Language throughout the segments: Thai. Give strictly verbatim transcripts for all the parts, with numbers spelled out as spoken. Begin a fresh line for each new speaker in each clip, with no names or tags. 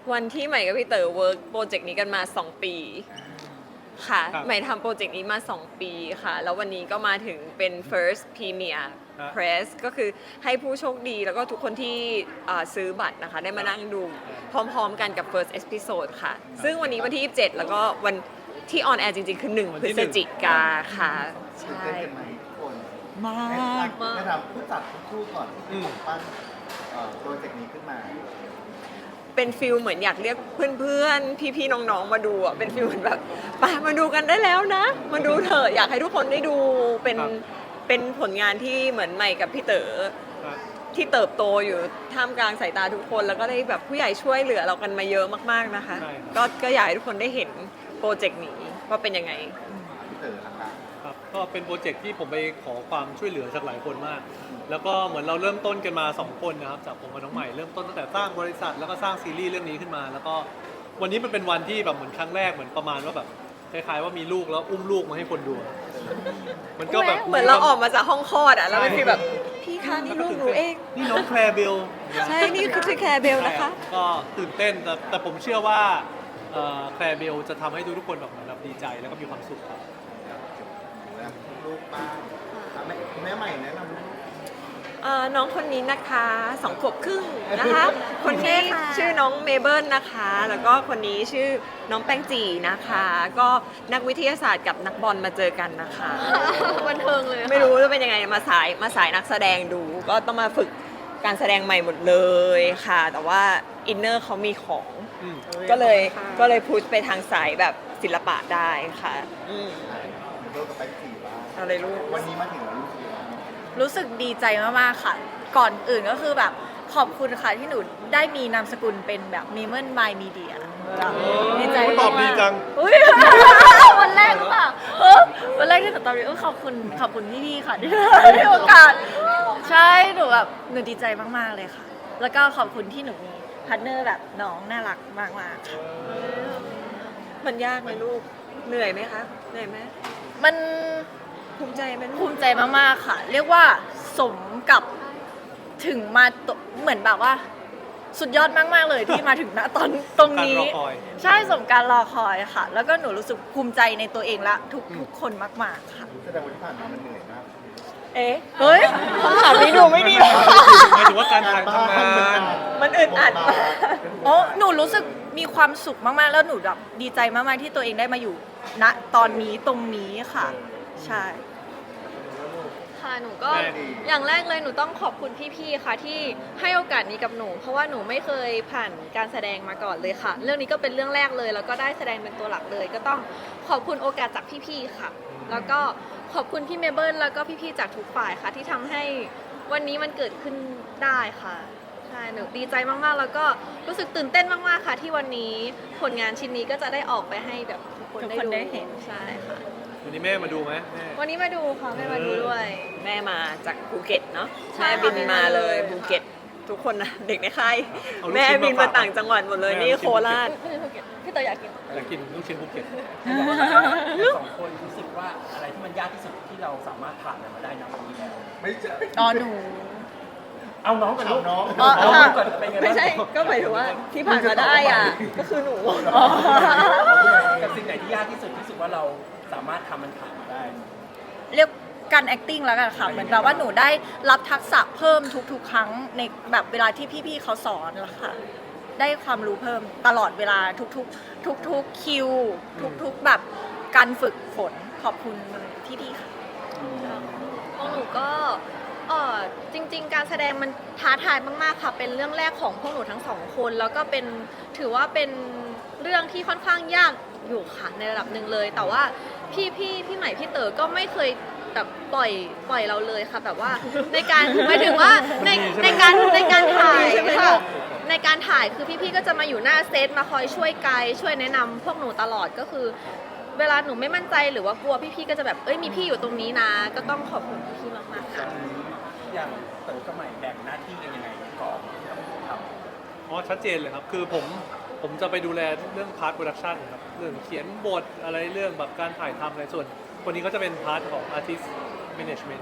วันที่ใหม่กับพี่เต๋อเวิร์กโปรเจกต์นี้กันมาสองปีค่ะ
ครับ
ใหม่ทำโปรเจกต์นี้มาสองปีค่ะ แล้ววันนี้ก็มาถึงเป็น first premier
ครับ
press ก็คือให้ผู้โชคดีแล้วก็ทุกคนที่อ่าซื้อบัตรนะคะ ได้มานั่งดูพร้อมๆกันกับ first episode ค่ะ ซึ่งวันนี้วันที่ยี่สิบเจ็ดแล้วก็วันที่ออนแอร์จริงๆ คือหนึ่ง
วัน
พฤ
ที่
ศ
หนึ่ง
จิกาค่ะ
ตื่น
ใช่
เต้นกันไหมทุกคน
มาก
ให้ถามผู้จัดทุกคู่ก่อนที่ผมปั้นเอ่อโปรเจกต์นี้ขึ้นมา
เป็นฟิลเหมือนอยากเรียกเพื่อนๆ พี่ๆ น้องๆ มาดูอ่ะ เป็นฟิลเหมือนแบบไปมาดูกันได้แล้วนะ มาดูเถอะอยากให้ทุกคนได้ดู เป็น
ครับ
เป็นผลงานที่เหมือนใหม่กับพี่เต๋อ
ครับ
ที่เติบโตอยู่ท่ามกลางสายตาทุกคน แล้วก็ได้แบบผู้ใหญ่ช่วยเหลือเรากันมาเยอะมากๆนะคะ
ใช่ครับ
ก็ก็อยากให้ทุกคนได้เห็นโปรเจกต์นี้ว่าเป็นยังไง
พี่เต๋อละคะ
ครับก็เป็นโปรเจกต์ที่ผมไปขอความช่วยเหลือจากหลายคนมาก แล้วก็เหมือนเราเริ่มต้นกันมาสองคนนะครับจากผมกับน้องใหม่เริ่มต้นตั้งแต่สร้างบริษัทแล้วก็สร้างซีรีส์เรื่องนี้ขึ้นมา แล้วก็วันนี้มันเป็นวันที่แบบเหมือนครั้งแรกเหมือนประมาณว่าแบบคล้ายๆว่ามีลูกแล้วอุ้มลูกมาให้คนดูมันก็แบบ
เหมือนเราออกมาจากห้องคลอดอ่ะ แล้วเป็นฟีลแบบพี่คะนี่ลูกหนูเอง
นี่น้องแคลร์เบล
ใช่ นี่คือแคร์เบลนะคะ
ก็ตื่นเต้นแต่แต่ผมเชื่อว่าเอ่อแคลร์เบลจะทำให้ทุกๆคนแบบเหมือนแบบดีใจแล้วก็มีความสุขครับ
แล้วลูกบ้างอ่ะแม่แม่ใหม่แนะนำลูก
เอ่อน้องคนนี้นะคะสองขวบครึ่งนะคะ คนนี้
ใช่ค่ะ
ชื่อน้องเมเบิลนะคะ แล้วก็คนนี้ชื่อน้องแป้งจีนะคะ ก็นักวิทยาศาสตร์กับนักบอลมาเจอกันนะคะ
บันเทิงเลยค่ะ
ไม่รู้จะเป็นยังไงมาสายมาสายนักแสดงดู ก็ต้องมาฝึกการแสดงใหม่หมดเลยค่ะ แต่ว่าอินเนอร์เขามีของ
อืม
ก็เลยก็เลยพุชไปทางสายแบบศิลปะได้ค่ะอืม
ลูกกับแป๊กซี่บ้าง
เอาเลยลูก
วันนี้มาถึงแล้วลูกกี่วัน
รู้สึกดีใจมากๆค่ะ ก่อนอื่นก็คือแบบขอบคุณค่ะที่หนูได้มีนามสกุลเป็นแบบมีเมิลมายมีเดียดีใจ
ตอบดีจัง
อุ๊ย วันแรกหรือเปล่าเออวันแรกที่หนูตอบดีเออขอบคุณขอบคุณพี่ๆค่ะที่ให้โอกาส ใช่หนูแบบหนูดีใจมากๆเลยค่ะ แล้วก็ขอบคุณที่หนูมีพาร์ทเนอร์แบบน้องน่ารักมากๆค่ะ
มันยากไหมลูกเหนื่อยไหมคะเหนื่อยไหม
มัน
ภูมิใจไหมลู
ภู
ก
มิใจมากๆค่ะ เรียกว่าสมกับถึงมาตเหมือนแบบว่า สุดยอดมากๆเลยที่มาถึงณตอนตรงนี้
การรอคอย
ใช่สมการรอคอยค่ะ แล้วก็หนูรู้สึกภูมิใจในตัวเองและทุกทุกคนมากๆค่ะ
แสดงว่าที่ผ่านมามันเหนื่อยมาก
เอ๊ะ
เฮ้ย
คำถามนี้ดูไม่ดีเลย
หมายถึงว่าการถ่ายทำงาน
มันอึดอัดมาก
โอ้หนูรู้สึกมีความสุขมากๆ แล้วหนูแบบดีใจมากๆที่ตัวเองได้มาอยู่ณตอนนี้ตรงนี้ค่ะ ใช่
ค่ะหนูก็
แม่ดี
อย่างแรกเลยหนูต้องขอบคุณพี่ๆ ค่ะที่ให้โอกาสนี้กับหนู เพราะว่าหนูไม่เคยผ่านการแสดงมาก่อนเลยค่ะ เรื่องนี้ก็เป็นเรื่องแรกเลย แล้วก็ได้แสดงเป็นตัวหลักเลย ก็ต้องขอบคุณโอกาสจากพี่ๆ ค่ะ แล้วก็ขอบคุณพี่เมเบิลแล้วก็พี่ๆ จากทุกฝ่ายค่ะ ที่ทำให้วันนี้มันเกิดขึ้นได้ค่ะใช่หนูดีใจมากๆ แล้วก็รู้สึกตื่นเต้นมากๆ ค่ะ ที่วันนี้ผลงานชิ้นนี้ก็จะได้ออกไปให้แบบทุกคน
ทุก
ได้
คน
ดู
ได้เห็น
ใช่ค่ะ
วันนี้แม่มาดูไหมแม่
วันนี้มาดูค่ะแม่มาดูด้วย
แม่มาจากภูเก็ตเนาะ
ใช่
แม่บิน
ค่ะ
มาเลย
แม่มาเลย
ภูเก็ตทุกคนนะเด็กในค่าย
เอาลูก
แม่
ชิ้นมา
บินมา
ฝาก
ต่างจังหวัดหมดเลย
แม่
นี่
เอาลูกชิ้
โคน ราช
ไม่ใช่ภูเก็ตพี่เตยอยากกิน
อยากกินลูกชิ้นภูเก็ต
สองคนรู้สึกว่าอะไรที่มันยากที่สุดที่เราสามารถผ่านมันมาได้นะวันนี้แล้ว
ไม่ใช่
อ๋อหนู
เอาน้องกับลูก
น้อง
อ๋อ
เอาลูกก่อนเป็นไงบ้าง
ไม่ใช่ก็หมายถึงว่าที่ผ่านมาได้อ่ะก็คือหนู
กับสิ่งไหนที่ยากที่สุดที่สุดว่าเราสามารถทำมันผ่านมาได้
เรียกการ acting แล้วกันค่ะ เหมือนแบบว่าหนูได้รับทักษะเพิ่มทุกๆ ครั้งในแบบเวลาที่พี่ๆเขาสอนแล้วค่ะ ได้ความรู้เพิ่มตลอดเวลาทุกๆ ทุกๆคิว ทุกๆแบบการฝึกฝนขอบคุณพี่ๆค่ะ
ของหนูก็เออจริง ๆ การแสดงมันท้าทายมากๆค่ะ เป็นเรื่องแรกของพวกหนูทั้งสองคน แล้วก็เป็นถือว่าเป็นเรื่องที่ค่อนข้างยากอยู่ค่ะในระดับหนึ่งเลย แต่ว่าพี่พี่พี่ใหม่พี่เต๋อก็ไม่เคยแบบปล่อยปล่อยเราเลยค่ะ แบบว่าในการหมายถึงว่าในในการในการถ่ายค่ะในการถ่ายคือพี่ๆก็จะมาอยู่หน้าเซตมาคอยช่วยไกด์ช่วยแนะนำพวกหนูตลอดก็คือ เวลาหนูไม่มั่นใจหรือว่ากลัวพี่ๆก็จะแบบเอ้ยมีพี่อยู่ตรงนี้นะ ก็ต้องขอบคุณพี่ๆมากๆค่ะ
อย่างเต๋อกับใหม่แบ่งหน้าที่กันยังไงก่อนทำ
อ๋อชัดเจนเลยครับ คือผมผมจะไปดูแลเรื่องพาร์ทโปรดักชันครับ เรื่องเขียนบทอะไรเรื่องแบบการถ่ายทำอะไรส่วน คนนี้ก็จะเป็นพาร์ทของ artist management ครับ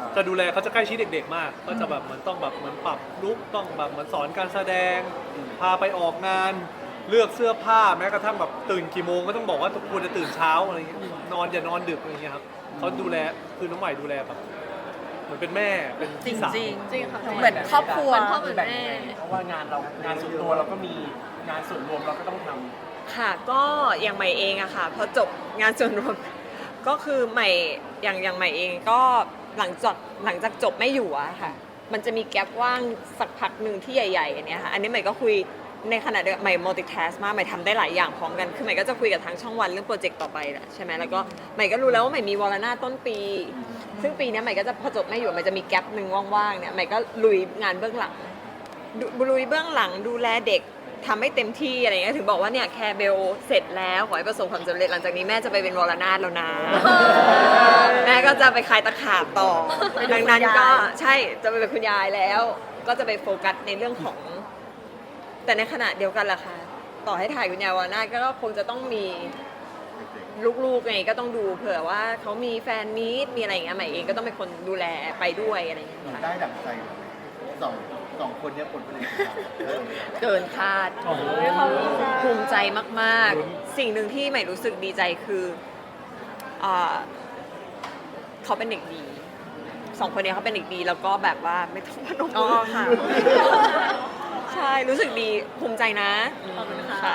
จะดูแลเขาจะใกล้ชิดเด็กๆมาก ก็จะแบบเหมือนต้องแบบเหมือนปรับลุคต้องแบบเหมือนสอนการแสดง พาไปออกงานเลือกเสื้อผ้าแม้กระทั่งแบบตื่นกี่โมงก็ต้องบอกว่าควรจะตื่นเช้าอะไรเงี้ยนอนอย่านอนดึกอะไรเงี้ยครับเขาดูแลคือน้องใหม่ดูแลแบบเหมือนเป็นแม่เป็น
จริ
พี่
ง
สาว
จริง
จริงค่ะ
เหมือนครอบครัว
เหมือนพ่อเหมือนแม่
เพราะว่างานเรางานส่วนตัวเราก็มีงานส่วนรวมเราก็ต้องทำ
ค่ะก็อย่างใหม่เองอะค่ะพอจบงานส่วนรวม ก็คือใหม่อย่างอย่างใหม่เองก็หลังจากหลังจากจบไม่อยู่อะค่ะ มันจะมีแกลบว่างสักพักหนึ่งที่ใหญ่ๆอันเนี้ยค่ะอันนี้ใหม่ก็คุยในขณะเดียวกันใหม่ multitask มากใหม่ทำได้หลายอย่างพร้อมกันคือใหม่ก็จะคุยกับทางช่องวันเรื่องโปรเจกต์ต่อไปแหละใช่ไหมแล้วก็ใหม่ก็รู้แล้วว่าใหม่มีวอลนาต้นปี ซึ่งปีเนี้ยใหม่ก็จะพอจบไม่อยู่ใหม่จะมีแกลบหนึ่งว่างๆเนี่ยใหม่ก็ลุยงานเบื้องหลัง ดูลุยเบื้องหลังดูแลเด็กทำให้เต็มที่อะไรเงี้ยถึงบอกว่าเนี่ยแคร์เบลเสร็จแล้วขอให้ประสบความสำเร็จหลังจากนี้แม่จะไปเป็นวรนาถแล้วนะ แม่ก็จะไปคลายตะขาบต่อ
ไปดู
ดังนั้น
คุณยาย
ก็ใช่จะไปเป็นคุณยายแล้ว ก็จะไปโฟกัสในเรื่องของ แต่ในขณะเดียวกันล่ะค่ะต่อให้ถ่ายคุณยายวรนาถก็คงจะต้องมีลูกๆไงก็ต้องดูเผื่อว่าเขามีแฟนมีตมีอะไรอย่างเงี้ยใหม่เองก็ต้องเป็นคนดูแลไปด้วยอะไรอย่างเงี้ยค่ะ
ได้ดั่งใจไหมสองสองคนเนี้ยผลผลิตของเราเออ
เกินคาด
โอ้โห
ภูมิใจมาก ๆ สิ่งหนึ่งที่ใหม่รู้สึกดีใจคืออ่าเขาเป็นเด็กดีสองคนนี้เขาเป็นเด็กดีแล้วก็แบบว่าไม่ต้องพนม
อ๋
มื
อ
อ
ค่ะ
ใช่รู้สึกดีภูมิใจนะ
ขอบคุณค่ะ
ค่ะ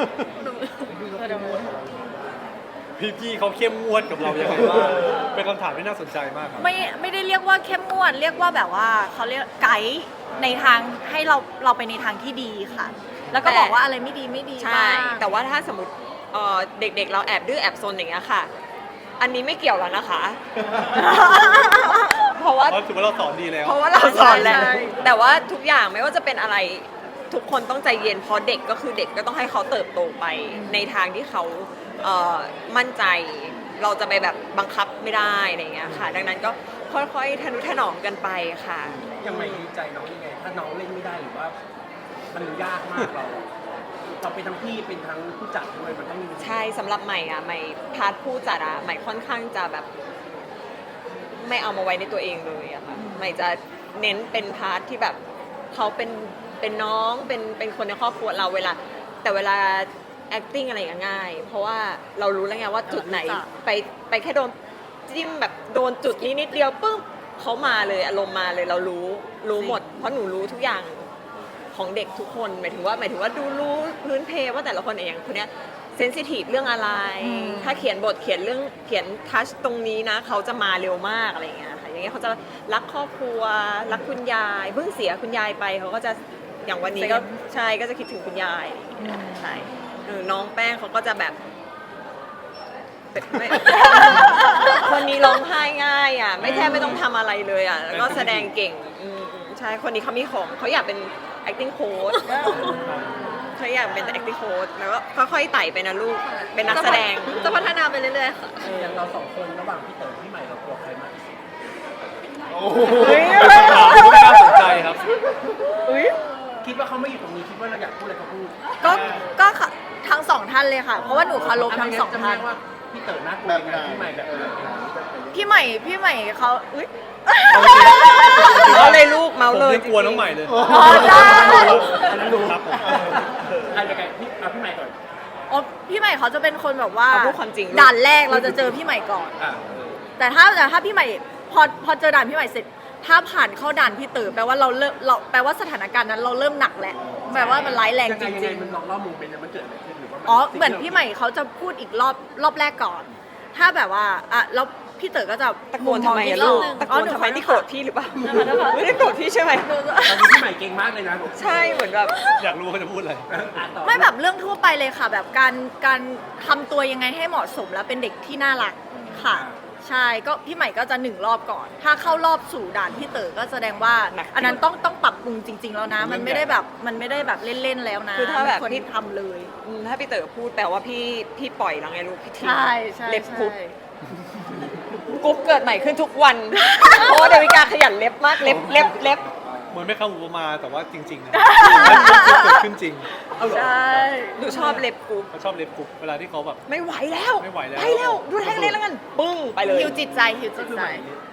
พี่ๆเขาเข้มงวดกับเรายังไงบ้างเป็นคำถามที่น่าสนใจมากครับ
ไม่ไม่ได้เรียกว่าเข้มงวด เรียกว่าแบบว่าเขาเรียกไกด์ในทางให้เราเราไปในทางที่ดีค่ะ แล้วก็
แต่
บอกว่าอะไรไม่ดีไม่ดี
ใช่
บ้าง
แต่ว่าถ้าสมมติเอ่อเด็ก ๆ เราแอบดื้อแอบซนอย่างเงี้ยค่ะ อันนี้ไม่เกี่ยวแล้วนะคะ เพราะว่า
เพราะถือว่าเราสอนดีแล้ว
เพราะว่าเราสอนแล้ว
ใช่
แต่ว่าทุกอย่างไม่ว่าจะเป็นอะไรทุกคนต้องใจเย็นเพราะเด็กก็คือเด็กก็ต้องให้เขาเติบโตไป ในทางที่เขาเอ่อมั่นใจ เราจะไปแบบบังคับไม่ได้อะไรอย่างเงี้ยค่ะ ดังนั้นก็ค่อยๆทนุถนอมกันไปค่ะ
ยังไงดีใจน้องยังไง ถ้าน้องเล่นไม่ได้หรือว่า มันยากมากเรา เราเป็นทั้งพี่เป็นทั้งผู้จัดด้วยมันต้องมี
ใช่สำหรับใหม่อะใหม่พาร์ทผู้จัดอะใหม่ค่อนข้างจะแบบ ไม่เอามาไว้ในตัวเองเลยอะค่ะใหม่จะเน้นเป็นพาร์ทที่แบบเขาเป็นเป็นน้องเป็นเป็นคนในครอบครัวเราเวลา แต่เวลา acting อะไรอย่างเงี้ยง่าย เพราะว่าเรารู้แล้วไงว่าจุดไหน
รู้จัก
ไปไปแค่โดนจิ้มแบบโดนจุดนี้นิดเดียวปุ๊บเขามาเลยอารมณ์มาเลยเรารู้รู้หมด เพราะหนูรู้ทุกอย่างของเด็กทุกคนหมายถึงว่าหมายถึงว่าดูรู้พื้นเพว่าแต่ละคนอย่างคนเนี้ยเซนซิทีฟเรื่องอะไร
อืม
ถ้าเขียนบทเขียนเรื่องเขียนทัชตรงนี้นะ เขาจะมาเร็วมากอะไรอย่างเงี้ยค่ะอย่างเงี้ยเขาจะรักครอบครัวรักคุณยายเพิ่งเสียคุณยายไปเขาก็จะอย่างวันนี้ก็ใช่ก็จะคิดถึงคุณยายอะไรอย่างเงี้ยใช่เออน้องแป้งเขาก็จะแบบไม่ คนนี้ร้องไห้ง่ายอ่ะไม่แทบไม่ต้องทำอะไรเลยอ่ะแล้วก็แสดงเก่งอืมอืมใช่คนนี้เขามีของเขาอยากเป็น acting coach เขาอยากเป็น acting coach แล้วก็ค่อยๆไต่ไปนะลูกเป็นนักแสดง
จะพัฒนาไปเรื่อยๆค่ะ
อย่างเราสองคนระหว่างพี่เต๋อพี่ใหม่เรากลัวใครมากที่สุด
โอ้โห
ถามที่น่าสนใจครับ
คิดว่าเขาไม่อยู่ตรงนี้คิดว่าเราอยากพูดอะไรก็พูด
ก็ก็ค่ะทั้งสองท่านเลยค่ะ เพราะว่าหนูเคารพทั้งสอง
จำ
ท่า
ได้
น
ว่าพี่เต๋อน่ากลัว
แบบ
ยัง
ไหน
ไงพี่ใหม่แบบไหน
พี่ใหม่พี่ใหม่เขาอุ๊ย
เมาเลยลูกเมา
ผม
เลย
ยังกลัวน้องใหม่เลย
อ๋อได้
อันนั้นรู้
ครับผม
ใครจะไงพี่เอาพี่ใหม่ก่อน
อ๋อพี่ใหม่เขาจะเป็นคนแบบว่า
เอาพูดความจริงลูก
ด่านแรกเราจะเจอพี่ใหม่ก่อน
อ่ะ
แต่ถ้าแต่ถ้าพี่ใหม่พอพอเจอด่านพี่ใหม่เสร็จ ถ้าผ่านเข้าด่านพี่เต๋อแปลว่าเราเริ่มเราแปลว่าสถานการณ์นั้นเราเริ่มหนักแล้วแปลว่ามันร้ายแรง
ยัง
จ
ไงยังไง
ริง
มันลองเล่ามุมเป็นยังไงมันเกิดอะไรขึ้นหรือว่า
ๆอ๋อเหมือนพี่ใหม่เขาจะพูดอีกรอบรอบแรกก่อน ถ้าแบบว่าอ่ะแล้วพี่เต๋อก็จะ
ตะโกนทำไมอะลูกตะโกนทำไมที่โกรธพี่หรือเปล่าไม่ได้โกรธพี่ใช่ไหม
ตอนนี้พี่ใหม่เก่งมากเลยนะ
ใช่เหมือนแบบ
อยากรู้ว่าเขาจะพูดอะไร
อ่ะต่อ
ไม่แบบเรื่องทั่วไปเลยค่ะ แบบการการทำตัวยังไงให้เหมาะสมแล้วเป็นเด็กที่น่ารักค่ะ ใช่ก็พี่ใหม่ก็จะหนึ่งรอบก่อน ถ้าเข้ารอบสู่ด่านพี่เต๋อก็แสดงว่า
หนักจริง
อันนั้นต้องต้องปรับปรุงจริง ๆ แล้วนะ มันไม่ได้แบบมันไม่ได้แบบเล่นๆแล้วนะ
คือถ้าแบบ
มันวร
พี่
ทำเลย
อืมถ้าพี่เต๋อพูดแปลว่าพี่พี่ปล่อยแล้วไงลูกพี่ทิ้ง
ใช่ใช่
เล็บกรุ๊ป
ใช่
กรุ๊ปเกิดใหม่ขึ้นทุกวัน เพราะว่าเดวิกาขยันเล็บมากเล็บเล็บเล็บ
เหมือนไม่คำอุปมาแต่ว่าจริงๆนะเกิดขึ้นจริง
เอาเหรอ
ใช่
หนูชอบเล็บกรุ๊ป
เขาชอบเล็บกรุ๊ปเวลาที่เขาแบบ
ไม่ไหวแล้ว
ไม่ไหวแล้ว
ไปแล้วดูแลกันเลยแล้วกันปึ้งไปเลย
ฮิวจิตใจฮิวจิตใจ
ใ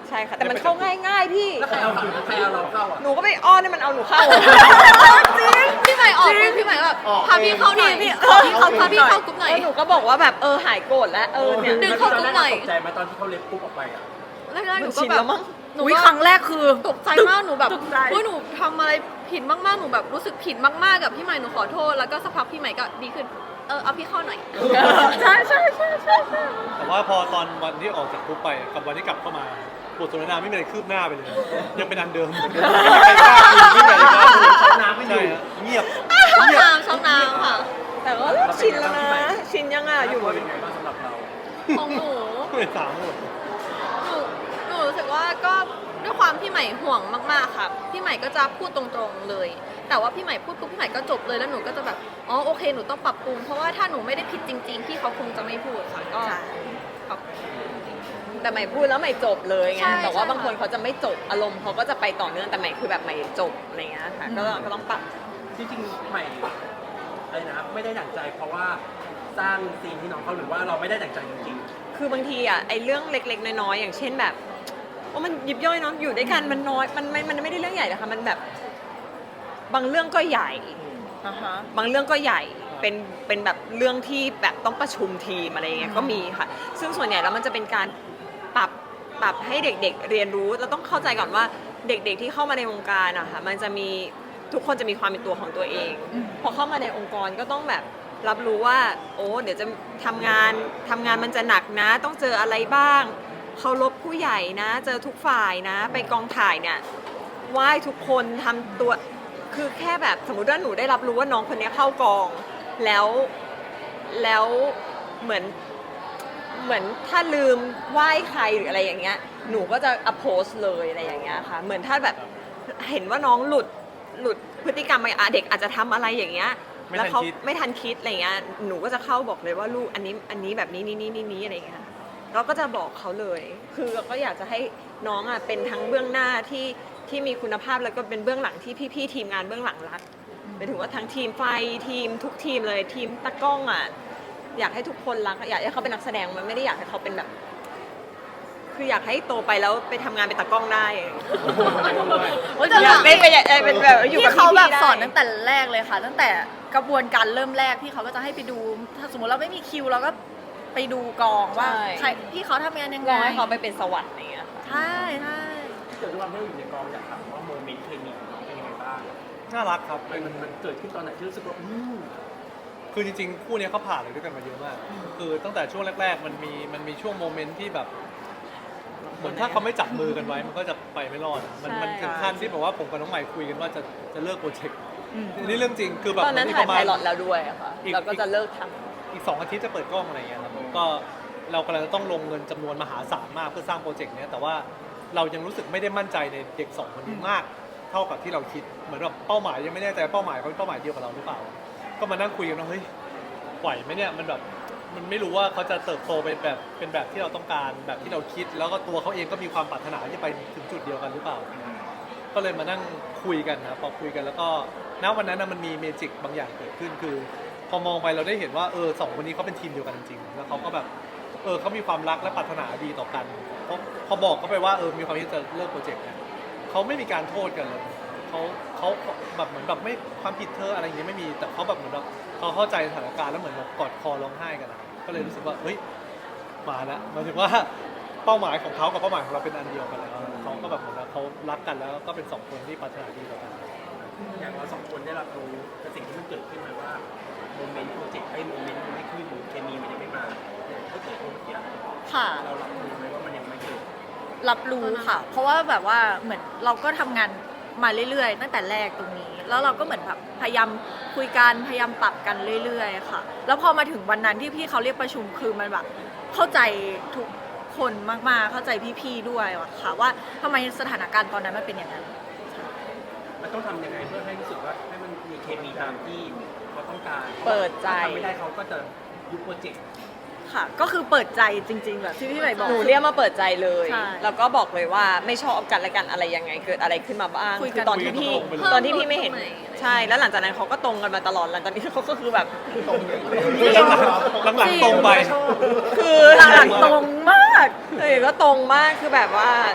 ใช่ค่ะ แต่มันเข้าง่ายๆพี่
แล้วใครเอาใครเอาเราเข้าอ่ะ
หนูก็ไปอ้อนให้มันเอาหนูเข้า
จริง
พี่ใหม่ออกปุ๊บพี่ใหม่ก็แบบ
ออก
พาพี่เข้าหน่อย
พี่
ขอพี่เข้า
พี่
พาพี่
เข้า
เข้ากรุ๊ปหน่อย
แล้วหนูก็บอกว่าแบบเออหายโกรธแล้วเออเนี่ย
ดึงเข้ากรุ๊ปหน่อย
ตกใจไหมตอนที่เขาเล็บปุ๊บออกไปอ่ะ
แรกๆหนู
มัน
ก็
ชิน
แบ
แล้
บ
วมั้ง
หนู
อุ๊ย
ก็
ครั้งแรกคือ
ตกใจมากหนูแบบ
ตกใจ
ว่าหนูทำอะไรผิดมากๆหนูแบบรู้สึกผิดมากๆกับพี่ใหม่หนูขอโทษแล้วก็สักพักพี่ใหม่ก็ดีขึ้นเออเอาพี่เข้าหน่อย
ใช่ใช่ใช่ใช่ใช่
แต่ว่าพอตอนวันที่ออกจากคุกไปกับวันที่กลับเข้ามาบทสนทนาไม่มีอะไรคืบหน้าไปเลย ยังเป็นอันเดิมไม่มีใครกล้าคุยไม่มีใครกล้าคุย
ช็อกน้ำไม่อยู่
ใช่ฮะเงียบ
ช่อง
เงียบ
น้ำช่องน้ำค่ะ
แต่ก็ชินแล้วนะ ชินยังอ่ะอยู่
ว่าเป็นไงบ้างสำหรับเรา
ของหนู
ไม่ถามหมด
หนูหนูรู้สึกว่าก็ด้วยความพี่ใหม่ห่วงมากๆค่ะพี่ใหม่ก็จะพูดตรงๆเลย แต่ว่าพี่ใหม่พูดปุ๊บพี่ใหม่ก็จบเลยแล้วหนูก็จะแบบอ๋อโอเคหนูต้องปรับปรุงเพราะว่าถ้าหนูไม่ได้ผิดจริง ๆ พี่เขาคงจะไม่พูดค่ะก็
ใช่
ปรับ
แต่ใหม่พูดแล้วใหม่จบเลยไง
ใช่
แต่ว่า
ใช่
บางคนเขาจะไม่จบอารมณ์เขาก็จะไปต่อเนื่องแต่ใหม่คือแบบใหม่จบอะไรเงี้ยค่ะก็ต้องก็ต้องปรับ
จริงๆใหม่อะไรนะไม่ได้ดั่งใจเพราะว่าสร้างซีนที่น้องเขาหรือว่าเราไม่ได้ดั่งใจจริง
คือบางทีอ่ะไอ้เรื่องเล็กๆน้อยๆอย่างเช่นแบบว่ามันยิบย่อยเนาะอยู่ด้วยกันมันน้อยมันไม่มันไม่ได้เรื่องใหญ่นะคะมันแบบบางเรื่องก็ใหญ่
อ่าฮะ
บางเรื่องก็ใหญ่เป็นเป็นแบบเรื่องที่แบบต้องประชุมทีมอะไรอย่างเงี้ยก็มีค่ะ ซึ่งส่วนใหญ่แล้วมันจะเป็นการปรับปรับให้เด็กๆเรียนรู้เราต้องเข้าใจก่อนว่าเด็กๆที่เข้ามาในวงการอะค่ะมันจะมีทุกคนจะมีความเป็นตัวของตัวเอง
อืม
พอเข้ามาในองค์กรก็ต้องแบบรับรู้ว่า โอ้เดี๋ยวจะทำงานทำงานมันจะหนักนะ ต้องเจออะไรบ้างเคารพผู้ใหญ่นะ เจอทุกฝ่ายนะ ไปกองถ่ายเนี่ยไหว้ทุกคนทำตัวคือแค่แบบสมมติว่าหนูได้รับรู้ว่าน้องคนนี้เข้ากอง แล้วแล้วเหมือนเหมือนถ้าลืมไหว้ใครหรืออะไรอย่างเงี้ยหนูก็จะอโพสเลยอะไรอย่างเงี้ยค่ะเหมือนถ้าแบบเห็นว่าน้องหลุดหลุดพฤติกรรมไปอ่ะเด็กอาจจะทำอะไรอย่างเงี้ย
ไม่
แล้ว
ทัน
เขา
คิด
ไม่ทันคิดอะไรเงี้ยหนูก็จะเข้าบอกเลยว่าลูกอันนี้อันนี้แบบนี้นี่นี่นี่นี่อะไรเงี้ยเราก็จะบอกเขาเลย คือเราก็อยากจะให้น้องอ่ะเป็นทั้งเบื้องหน้าที่ที่มีคุณภาพแล้วก็เป็นเบื้องหลังที่พี่ๆทีมงานเบื้องหลังรัก หมายถึงว่าทั้งทีมไฟทีมทุกทีมเลยทีมตากล้องอ่ะอยากให้ทุกคนรักอยากให้เขาเป็นนักแสดงมันไม่ได้อยากให้เขาเป็นแบบ คืออยากให้โตไปแล้วไปทำงานเป็นตากล้องได้
โอ้ยแต่
อยากเป็นไปอยากเป็นแบบอยู่กับ
พี่เขาแบบ
พี่ๆได้
สอนตั้งแต่แรกเลยค่ะ ตั้งแต่กระบวนการเริ่มแรกพี่เขาก็จะให้ไปดู ถ้าสมมติเราไม่มีคิวเราก็ไปดูกองว่า
ใช่
ใครพี่เขาทำงานยัง
ร
ไง
อให้เขาไปเป็นสวัสดิ์อย่างเงี้ยค่ะ
ใช่ใช่
ๆเกิดด้วยความที่เราอยู่ในกองอยากถามว่าโมเมนต์เคมีของน้องเป็นยังไงบ้าง
น่ารักครับ
มันมันมันเกิดขึ้นตอนไหนที่รู้สึกว่าอืม
คือจริงๆ คู่เนี้ยเขาผ่านอะไรด้วยกันมาเยอะมาก คือตั้งแต่ช่วงแรก ๆ มันมีมันมีช่วงโมเมนต์ที่แบบ เหมือนถ้าเขาไม่จับมือกันไว้ มันก็จะไปไม่รอด มัน
ใช่
มันถึงขั้นที่แบบว่าผมกับน้องใหม่คุยกันว่าจะจะเลิกโปรเจกต์นี่เรื่องจริง คือแบบ
ตอนนั้น
มี
ถ่าย
ประ
ไพ
มาณ
ลอตแล้วด้วยอะค่ะ
อีก
เราก็จะเลิกท
อีกสองอาทิตย์จะเปิดกล้องอะไรเงี้ยครับก็เรากำลังจะต้องลงเงินจำนวนมหาศาลมากเพื่อสร้างโปรเจกต์เนี้ยแต่ว่าเรายังรู้สึกไม่ได้มั่นใจในเด็กสองคนนี้มาก เท่ากับที่เราคิดเหมือนแบบเป้าหมายยังไม่แน่ใจเป้าหมายเขาเป็นเป้าหมายเดียวกับเราหรือเปล่า ก็มานั่งคุยกันว่าเฮ้ยไหวไหมเนี่ยมันแบบมันไม่รู้ว่าเขาจะเติบโตเป็นแบบเป็นแบบที่เราต้องการแบบที่เราคิด แล้วก็ตัวเขาเองก็มีความปรารถนาที่จะไปถึงจุดเดียวกันหรือเปล่า ก็เลยมานั่งคุยกันนะพอคุยกันแล้วก็ณวันนั้นนะมันมีเมจิกบางอย่างเกิดขึ้นคือ พอมองไปเราได้เห็นว่าเออสองคนนี้เขาเป็นทีมเดียวกันจริงๆแล้วเขาก็แบบเออเขามีความรักและปรารถนาดีต่อกันพอพอบอกเขาไปว่าเออมีความที่จะเลิกโปรเจกต์เนี่ยเขาไม่มีการโทษกันเลยเขาเขาแบบเหมือนแบบไม่ความผิดเธออะไรอย่างเงี้ยไม่มีแต่เขาแบบเหมือนแบบเขาเข้าใจสถานการณ์แล้วเหมือนแบบกอดคอร้องไห้กันนะก็เลยรู้สึกว่าเฮ้ยมาแล้วหมายถึงว่าเป้าหมายของเขากับเป้าหมายของเราเป็นอันเดียวกันแล้วเขาก็แบบเหมือนว่าเขารักกันแล้วก็เป็นสองคนที่ปรารถนาดีต่อกัน
อย่างเราสองคนได้รับรู้กับสิ่งที่มันเกิดขึ้นมาว่าโมเมนต์โปรเจกต์ไอ้โมเมนต์มันไม่ขึ้นเคมีมันยังไม่มาเนี่ยก็เกิดขึ้นเมื่อกี้
ค่ะ
เรารับรู้ไหมว่ามันยังไม่เกิด
รับรู้ค่ะ เพราะว่าแบบว่าเหมือนเราก็ทำงานมาเรื่อยๆ ตั้งแต่แรกตรงนี้ แล้วเราก็เหมือนแบบพยายามคุยกันพยายามปรับกันเรื่อยๆ ค่ะ แล้วพอมาถึงวันนั้นที่พี่เขาเรียกประชุมคือมันแบบเข้าใจทุกคนมากๆ เข้าใจพี่ๆ ด้วยอะค่ะว่าทำไมสถานการณ์ตอนนั้นมันเป็นอย่างนั้น
มันต้องทำยังไงเพื่อให้รู้สึกว่าให้มันมีเคมีตามที่เขาต้องการ
เปิดใจ
ถ้าทำไม่ได้เขาก็จะยุบโปรเจกต์
ค่ะ ก็คือเปิดใจจริง ๆ แบบที่พี่ใหม่บอก
ำหนูเรียกมาเปิดใจเลย
ใช่
แล้วก็บอกเลยว่าไม่ชอบกันและกันอะไรยังไงเกิดอะไรขึ้นมาบ้าง
คุยกัน
อตอนที่พี่
คุยกันตรงๆไปเลย
ตอนที่พี่ไม่เห็น
เพิ่มตรงไหน
ใช่แล้วหลังจากนั้นเขาก็ตรงกันมาตลอดหลังจากนี้เขาก็คือแบบ
ตรงเลย
หลังๆตรงไป
คือ
หลังๆตรงมาก
เออก็ตรงมากคือแบบว่า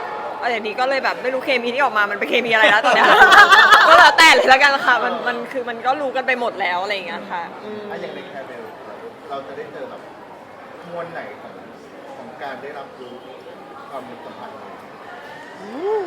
อย่างนี้ก็เลยแบบไม่รู้เคมีที่ออกมามันเป็นเคมีอะไรแล้วตอนเนี้ย ก็แล้วแต่เลยแล้วกันค่ะมันมันคือมันก็รู้กันไปหมดแล้วอะไรอย่างเงี้ยค่ะอืม
ถ้าอย่างในแคร์เบลเราจะได้เจอแบบมวลไหนของของการได้รับรู้ความสัมพันธ์
โอ้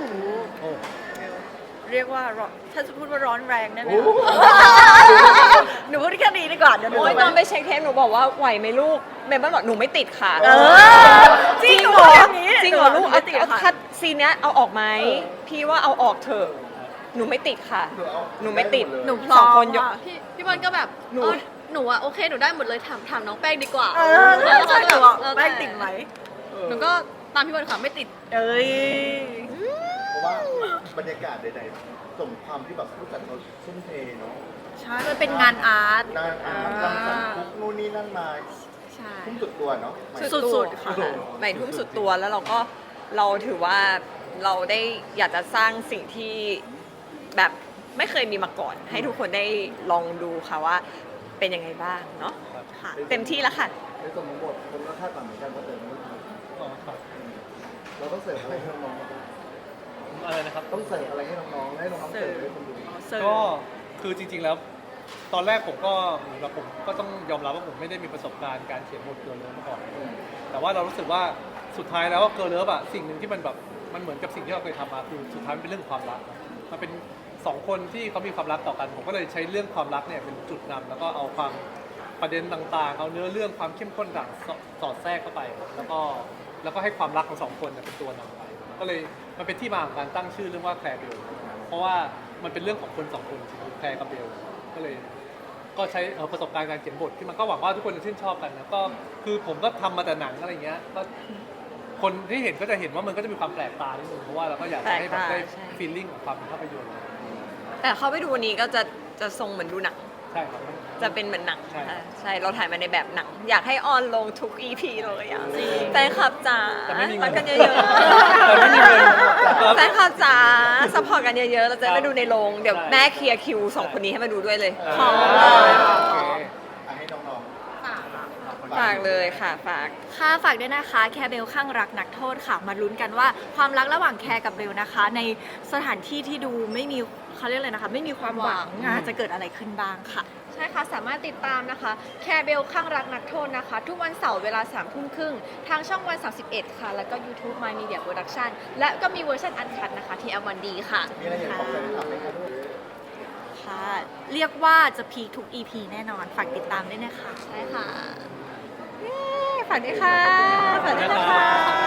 เรียกว่าร้อนถ้าจะพูดว่าร้อนแรงได้ไหมคะหนูพูดแค่นี้ดีกว่าเดี๋ยวหนู
โอ้ยตอนไปเช็คเทปหนูบอกว่าไหวไหมลูกเมมเบอร์บอกหนูไม่ติดค่ะ
เออจริงเหรอ
จริงเหรอลูก
หนู
เอา
ไม่ติด
เอา
ค่ะ
คัดซีนเนี้ยเอาออกไหมพี่ว่าเอาออกเถอะหนูไม่ติดค่ะ หนูไม่ติด
หนูพร้อ
สอง
ม
คนยก
อะ
พี่พี่บอลก็แบบ
หนู
เออหนูอะโอเคหนูได้หมดเลยถามถามน้องแป้งดีกว่า
เออใช่ใช่หนูบอก
เออ
แป้งติดไหม
หนูก็ตามพี่บอลค่ะไม่ติด
เอ้ย
เพราะว่าบรรยากาศใดๆสมความที่แบบผู้จัดเขาทุ่มเทเนาะ
ใช่มันเป็นงานอาร์ต
นานอ่านรังสรรค์ทุกนู่นนี่นั่นมา
ใช่
ทุ่มสุดตัวเนาะหมาย
สุดๆค่ะ
ใหม่ทุ่มสุดตัวแล้วเราก็เราถือว่าเราได้อยากจะสร้างสิ่งที่แบบไม่เคยมีมาก่อน ให้ทุกคนได้ลองดูค่ะว่าเป็นยังไงบ้างเนาะค่ะเต็มที่แล้วค่ะ
ในส่วนของบทคนก็คาดหวังเหมือนกันว่าเติมไม่ทัน
อ๋อครับ
เราต้องเสิร์ฟอะไรให้น้อง
อะไรนะครับ
ๆต้องเสิร์ฟอะไรให้น้องๆให้น้องๆเสิร์ฟให้คนดู
เสิร์ฟ
ก็คือจริงๆแล้ว ตอนแรกผมก็เหมือนกับผมก็ต้องยอมรับว่าผมไม่ได้มีประสบการณ์การเขียนบทเกิร์ลเลิฟมาก่อนแต่ว่าเรารู้สึกว่าสุดท้ายแล้วเกิร์ลเลิฟอะสิ่งหนึ่งที่มันแบบมันเหมือนกับสิ่งที่เราเคยทำมาคือสุดท้ายมันเป็นเรื่องความรักนะมันเป็นสองคนที่เขามีความรักต่อกัน ผมก็เลยใช้เรื่องความรักเนี่ยเป็นจุดนำแล้วก็เอาความประเด็นต่างๆ เอาเนื้อเรื่องความเข้มข้นต่างสสอดแทรกเข้าไป แล้วก็แล้วก็ให้ความรักของสองคนเนี่ยเป็นตัวนำไป ก็เลยมันเป็นที่มาของการตั้งชื่อเรื่องว่าแคร์เบลเพราะว่ามันเป็นเรื่องของคนสองคนคือแคร์กับเบลก็เลย ก็ใช้เอ่อประสบการณ์การเขียนบทที่มันก็หวังว่าทุกคนจะชื่นชอบกันนะก็คือผมก็ทำมาแต่หนังอะไรเงี้ยก็คนที่เห็นก็จะเห็นว่ามันก็จะมีความแปลกตานิดนึงเพราะว่าเราก็อยากจะให้แบบได้
แปลกตาใช่
ฟีลลิ่งของความเป็นภาพยนตร์
แต่เข้าไปดูวันนี้ก็จะจะทรงเหมือนดูหนัง
ใช่ครับ
จะเป็นเหมือนหนัง
ใช่
ค่ะใช่เราถ่ายมาในแบบหนัง อยากให้ออนลงทุก อี พี เลยอ่ะ
จริง
แฟนคลับจ๋า
แต่ไม่มีเงิน
รักกันเยอะ
แต่ไม่มีเงิน
ๆแฟนคลับจ๋าสปอร์ตกันเยอะๆ เราจะ
ครับ
ไปดูในโรงเดี๋ยว
ใช่
แม่เคลียร์คิวสองคนนี้ให้มาดูด้วยเลย
อ่า
ขอ
โอเค
อ่ะให้น้องๆ
ฝากเลยค่ะฝาก
ค่ะฝากด้วยนะคะแคร์เบลข้างรักนักโทษค่ะมาลุ้นกันว่าความรักระหว่างแคร์กับเบลนะคะ ในสถานที่ที่ดูไม่มีเขาเรียกอะไรนะคะไม่มีความหวังอ่ะจะเกิดอะไรขึ้นบ้างค่ะ
ใช่ค่ะ สามารถติดตามนะคะ แคร์เบลข้างรักนักโทษนะคะ ทุกวันเสาร์เวลาสามทุ่มครึ่งทางช่องวันสามสิบเอ็ดค่ะ แล้วก็ YouTube My Media Production และก็มีเวอร์ชันอันคัดนะคะที่ แอล วัน ดี ค่ะ
มีอะไรอยากบอกแฟนคลับไหมคะลูก
ค่ะ เรียกว่าจะพีคทุก อี พี แน่นอน ฝากติดตามด้วยนะคะ
ใช่ค่ะ
ฝากด้วยค่ะฝากด้วยนะคะ